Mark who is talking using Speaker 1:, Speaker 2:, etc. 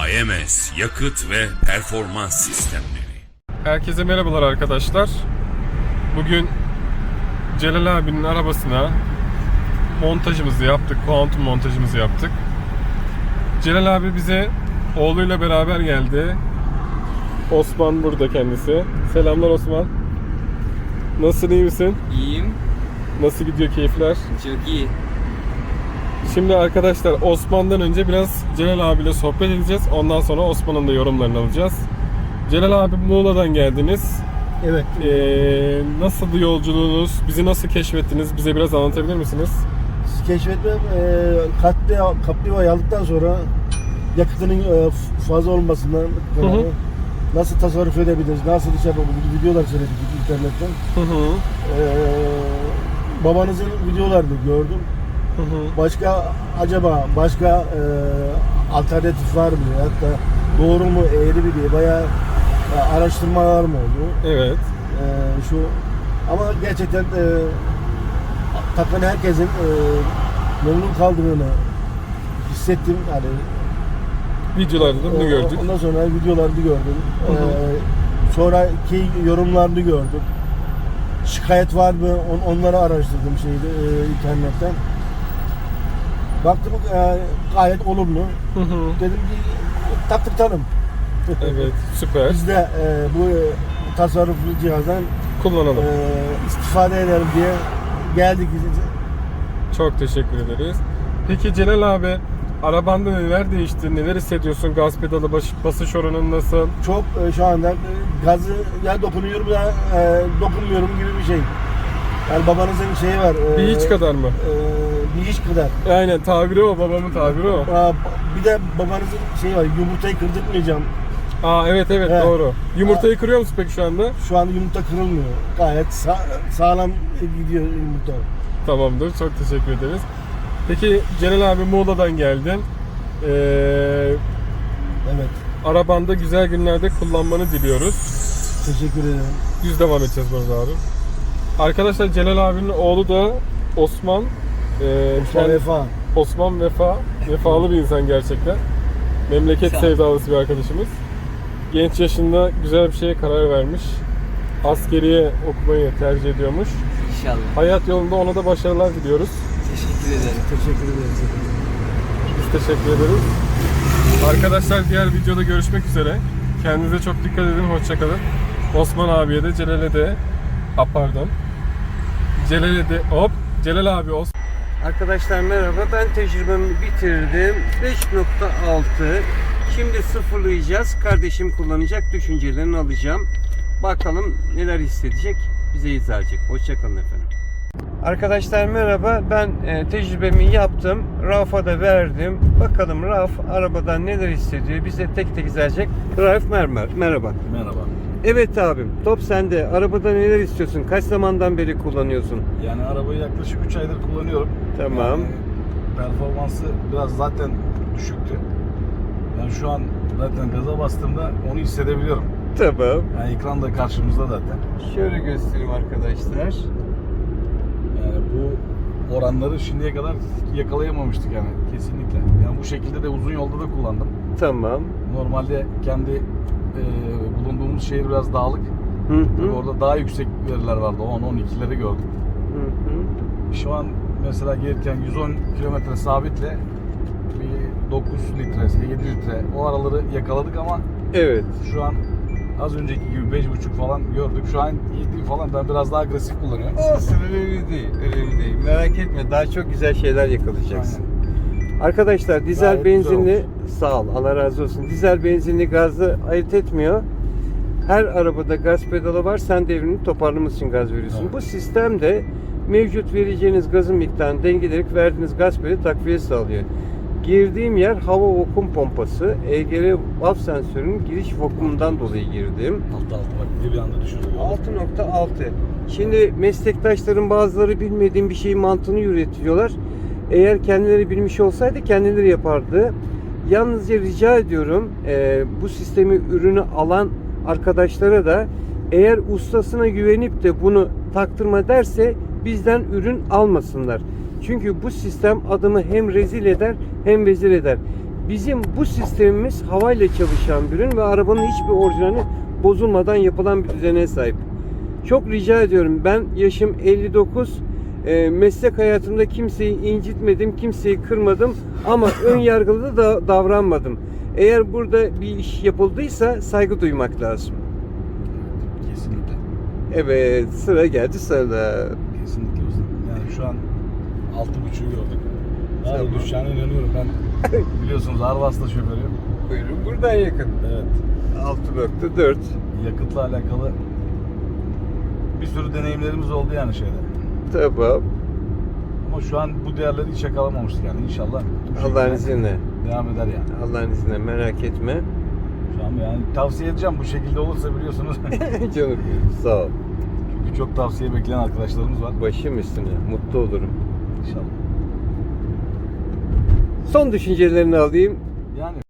Speaker 1: AMS Yakıt ve Performans Sistemleri.
Speaker 2: Herkese merhabalar arkadaşlar. Bugün Celal abinin arabasına montajımızı yaptık. Kuantum montajımızı yaptık. Celal abi bize oğluyla beraber geldi. Osman burada kendisi. Selamlar Osman. Nasılsın, iyi misin?
Speaker 3: İyiyim.
Speaker 2: Nasıl gidiyor keyifler?
Speaker 3: Çok iyi.
Speaker 2: Şimdi arkadaşlar Osman'dan önce biraz Celal abiyle sohbet edeceğiz. Ondan sonra Osman'ın da yorumlarını alacağız. Celal abi Muğla'dan geldiniz.
Speaker 4: Evet.
Speaker 2: Nasıldı yolculuğunuz? Bizi nasıl keşfettiniz? Bize biraz anlatabilir misiniz?
Speaker 4: Keşfetmem kaplivayı aldıktan sonra yakıtının fazla olmasından nasıl tasarruf edebiliriz, nasıl iş yapabiliriz videolar seyrettik internetten. Babanızın videolarını gördüm. Başka alternatif var mı? Hatta doğru mu, eğri mi diye bayağı araştırmalar mı oldu?
Speaker 2: Evet.
Speaker 4: Ama gerçekten takan herkesin memnun kaldığını hissettim. Yani
Speaker 2: Videolarda bunu gördük.
Speaker 4: ondan sonra videolarını gördüm. Sonraki yorumlarını gördüm. Şikayet var mı? Onları araştırdım internetten. Baktım gayet olumlu. Dedim ki taktırtalım.
Speaker 2: Evet, süper.
Speaker 4: Biz de bu tasarruflu cihazdan
Speaker 2: Kullanalım.
Speaker 4: istifade edelim diye geldik.
Speaker 2: Çok teşekkür ederiz. Peki Celal abi, arabanda neler değişti? Neler hissediyorsun? Gaz pedalı basış oranın nasıl?
Speaker 4: Çok şu anda gazı ya dokunuyorum ya dokunmuyorum gibi bir şey. Yani babanızın şeyi var.
Speaker 2: Bir hiç kadar mı?
Speaker 4: Bir hiç kadar.
Speaker 2: Aynen, tabiri o, babamın tabiri o.
Speaker 4: Bir de babanızın şeyi var, yumurtayı kırdırtmayacağım.
Speaker 2: Evet,
Speaker 4: Evet.
Speaker 2: doğru. Yumurtayı kırıyor musun peki şu anda?
Speaker 4: Şu anda yumurta kırılmıyor. Gayet sağlam gidiyor yumurta.
Speaker 2: Tamamdır, çok teşekkür ederiz. Peki Celal abi Muğla'dan geldin.
Speaker 4: Evet.
Speaker 2: Arabanda güzel günlerde kullanmanı diliyoruz.
Speaker 4: Teşekkür ederim.
Speaker 2: Düz devam edeceğiz burada abi. Arkadaşlar Celal abinin oğlu da Osman.
Speaker 4: Osman Vefa.
Speaker 2: Osman vefalı bir insan gerçekten. Memleket sevdalısı bir arkadaşımız. Genç yaşında güzel bir şeye karar vermiş. Askeriye okumayı tercih ediyormuş.
Speaker 3: İnşallah.
Speaker 2: Hayat yolunda ona da başarılar diliyoruz.
Speaker 3: Teşekkür ederim.
Speaker 4: Teşekkür ederiz.
Speaker 2: Biz teşekkür ederiz. Arkadaşlar diğer videoda görüşmek üzere. Kendinize çok dikkat edin. Hoşça kalın. Osman abiye de Celal'e de Celal abi Osman.
Speaker 3: Arkadaşlar merhaba. Ben tecrübemi bitirdim. 5.6. Şimdi sıfırlayacağız. Kardeşim kullanacak. Düşüncelerini alacağım. Bakalım neler hissedecek. Bize izah edecek. Hoşçakalın efendim. Arkadaşlar merhaba. Ben tecrübemi yaptım. Rauf'a da verdim. Bakalım Rauf arabadan neler hissediyor. Bize tek tek izah edecek. Rauf merhaba.
Speaker 5: Merhaba.
Speaker 3: Evet abim. Top sende. Arabada neler istiyorsun? Kaç zamandan beri kullanıyorsun?
Speaker 5: Yani arabayı yaklaşık 3 aydır kullanıyorum.
Speaker 3: Tamam.
Speaker 5: Yani performansı biraz zaten düşüktü. Yani şu an zaten gaza bastığımda onu hissedebiliyorum.
Speaker 3: Tamam.
Speaker 5: Yani ekran da karşımızda zaten.
Speaker 3: Şöyle göstereyim arkadaşlar.
Speaker 5: Yani bu oranları şimdiye kadar yakalayamamıştık yani kesinlikle. Yani bu şekilde de uzun yolda da kullandım.
Speaker 3: Tamam.
Speaker 5: Normalde kendi bulunduğumuz şehir biraz dağlık. Tabii orada daha yüksek veriler vardı. 10-12'leri gördüm. Şu an mesela gelirken 110 kilometre sabitle bir 9 litre, 7 litre o araları yakaladık ama
Speaker 3: Evet.
Speaker 5: şu an az önceki gibi 5,5 falan gördük. Şu an 7 falan, ben biraz daha agresif kullanıyorum.
Speaker 3: Olsun, önemli değil. Önemli değil. Merak etme. Daha çok güzel şeyler yakalayacaksın. Arkadaşlar dizel
Speaker 5: Gayet güzel
Speaker 3: benzinli, sağ ol, Allah razı olsun. Dizel benzinli gazı ayırt etmiyor. Her arabada gaz pedalı var. Sen devrini toparlamak için gaz veriyorsun.
Speaker 5: Evet.
Speaker 3: Bu sistemde mevcut vereceğiniz gazın miktarını dengeleyerek verdiğiniz gaz pedali takviye sağlıyor. Girdiğim yer hava vakum pompası. EGR valve sensörünün giriş vakumundan dolayı girdim.
Speaker 5: Altı bak bir anda düşürdü.
Speaker 3: 6.6. Şimdi meslektaşların bazıları bilmediğim bir şeyin mantığını üretiyorlar. Eğer kendileri bilmiş olsaydı kendileri yapardı. Yalnızca rica ediyorum bu sistemi, ürünü alan arkadaşlara da eğer ustasına güvenip de bunu taktırma derse bizden ürün almasınlar. Çünkü bu sistem adamı hem rezil eder hem vezir eder. Bizim bu sistemimiz havayla çalışan bir ürün ve arabanın hiçbir orijinali bozulmadan yapılan bir düzene sahip. Çok rica ediyorum. Ben yaşım 59. Meslek hayatımda kimseyi incitmedim, kimseyi kırmadım ama ön yargılı da davranmadım. Eğer burada bir iş yapıldıysa saygı duymak lazım.
Speaker 5: Kesinlikle.
Speaker 3: Evet, sıra geldi sana.
Speaker 5: Kesinlikle ustam. Yani şu an 6.5'ü gördük. Daha
Speaker 3: Tamam.
Speaker 5: düşeceğine inanıyorum ben. Biliyorsunuz Arvas'ta şoförüyüm.
Speaker 3: Buyurun, buradan yakın.
Speaker 5: Evet.
Speaker 3: 6.4.
Speaker 5: Yakıtla alakalı bir sürü deneyimlerimiz oldu yani şeyde.
Speaker 3: Tamam.
Speaker 5: Ama şu an bu değerleri hiç yakalamamıştık yani inşallah. bu
Speaker 3: Allah'ın
Speaker 5: şekilde
Speaker 3: izniyle.
Speaker 5: Devam eder yani.
Speaker 3: Allah'ın izniyle, merak etme.
Speaker 5: Şu an yani tavsiye edeceğim bu şekilde olursa biliyorsunuz.
Speaker 3: Canım benim, sağ ol.
Speaker 5: Çünkü çok tavsiye bekleyen arkadaşlarımız var.
Speaker 3: Başım üstüne, mutlu olurum.
Speaker 5: İnşallah.
Speaker 3: Son düşüncelerini alayım.
Speaker 5: Yani